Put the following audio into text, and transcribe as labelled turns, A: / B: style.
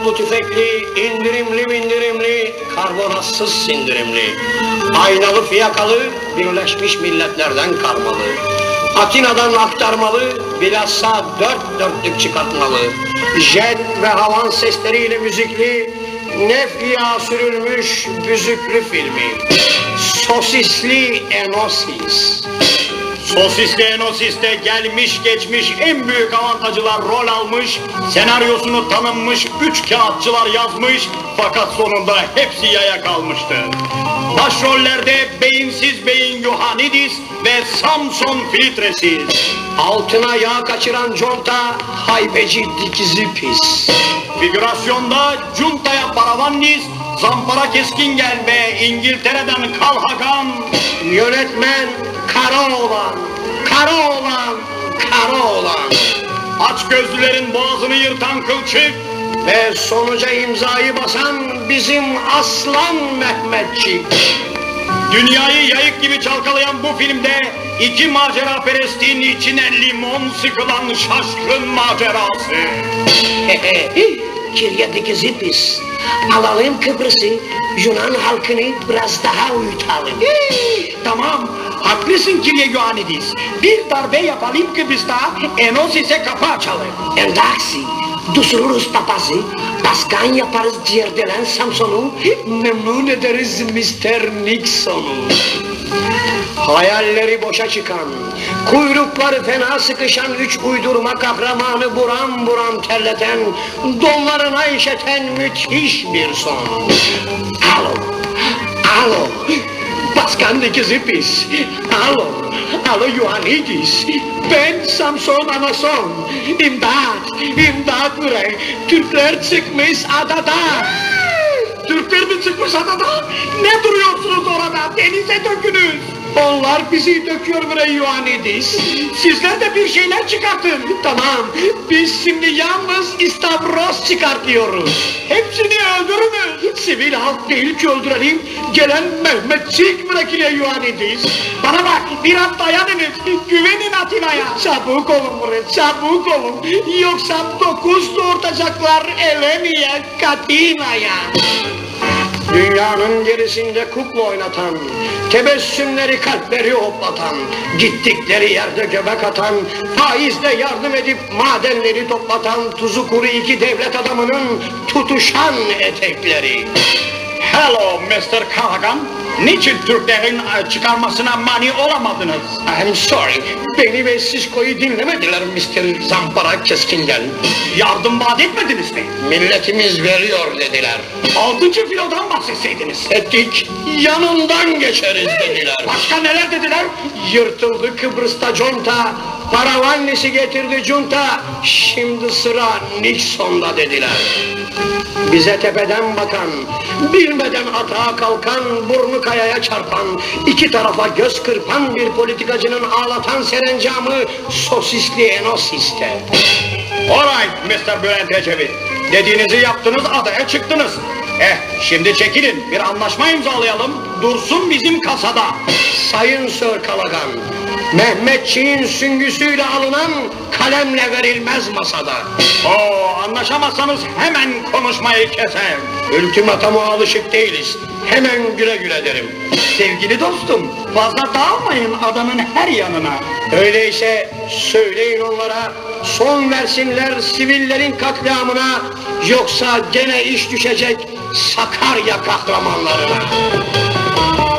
A: Namlu tüfekli, indirimli mindirimli, karbonatsız sindirimli. Aynalı fiyakalı, Birleşmiş Milletler'den karmalı. Atina'dan aktarmalı, bilhassa dört dörtlük çıkartmalı. Jet ve havan sesleriyle müzikli, nef yağı sürülmüş büzüklü filmi. Sosisli Enosis.
B: Sosisli Enosis'te gelmiş geçmiş en büyük avantajcılar rol almış, senaryosunu tanınmış 3 kağıtçılar yazmış, fakat sonunda hepsi yaya kalmıştı. Başrollerde beyinsiz beyin Ioannidis ve Samson Filtresiz.
A: Altına yağ kaçıran conta, haybeci dikizi pis.
B: Figürasyonda Cunta'ya Paravannis, Zampara Keskingel ve İngiltere'den Kal Hakan.
A: Yönetmen kara oğlan, kara oğlan, kara oğlan.
B: Açgözlülerin boğazını yırtan Kılçık.
A: Ve sonuca imzayı basan bizim aslan Mehmetçik.
B: Dünyayı yayık gibi çalkalayan bu filmde iki macera perestinin içine limon sıkılan şaşkın macerası.
A: Kirya dikizi pis. Alalım Kıbrıs'ı, Yunan halkını biraz daha uyutalım.
B: Tamam, haklısın Kirye Ioannidis. Bir darbe yapalım Kıbrıs'ta, Enosis'e kapı açalım.
A: Endaksi, düşürürüz papazı, paskan yaparız ciğerdelen Samson'u, memnun ederiz Mr. Nixon'u. Hayalleri boşa çıkan, kuyrukları fena sıkışan üç uydurma kahramanı buram buram terleten, donlarına işeten müthiş bir son. Alo, alo, Paskan dikizi pis. Alo, alo Ioannidis. Ben Samson Anason. İmdat, imdat buraya. Türkler çıkmış adada.
B: Türkler mi çıkmış adada? Ne duruyorsunuz orada? Denize dökünüz.
A: Onlar bizi döküyor buraya Ioannidis.
B: Sizler de bir şeyler çıkartın.
A: Tamam, biz şimdi yalnız istavros çıkartıyoruz.
B: Hepsini öldürünüz.
A: Sivil halk değil ki öldürelim, gelen Mehmetçik bırakıyor Ioannidis.
B: Bana bak, biraz dayanınız. Güvenin Atina'ya.
A: Çabuk olun buraya, çabuk olun. Yoksa 9 doğurtacaklar Eleni'ye, Katina'ya. Dünyanın gerisinde kukla oynatan, tebessümleri kalpleri hoplatan, gittikleri yerde göbek atan, faizle yardım edip madenleri toplatan, tuzu kuru iki devlet adamının tutuşan etekleri.
B: Hello Mr. Kahagan. Niçin Türklerin çıkarmasına mani olamadınız?
A: I'm sorry, beni ve Sisko'yu dinlemediler Mr. Zampara Keskingel.
B: Yardım vaat etmediniz mi?
A: Milletimiz veriyor dediler.
B: 6. filodan bahsetseydiniz.
A: Ettik, yanından geçeriz dediler.
B: Başka neler dediler?
A: Yırtıldı Kıbrıs'ta conta, Paravannis'i getirdi junta, şimdi sıra Nixon'da dediler. Bize tepeden bakan, bilmeden atağa kalkan, burnu kayaya çarpan, iki tarafa göz kırpan bir politikacının ağlatan serencamı sosisli Enosis'te.
B: Alright Mr. Bülent Ecevit. Dediğinizi yaptınız, adaya çıktınız. Şimdi çekilin, bir anlaşma imzalayalım. Dursun bizim kasada.
A: Sayın Sir Kalagan, Mehmetçiğin süngüsüyle alınan kalemle verilmez masada.
B: Anlaşamazsanız hemen konuşmayı keserim.
A: Ultimatuma alışık değiliz. Hemen güle güle derim.
B: Sevgili dostum, fazla dağılmayın adanın her yanına.
A: Öyleyse söyleyin onlara, son versinler sivillerin katliamına, yoksa gene iş düşecek Sakarya kahramanlarına.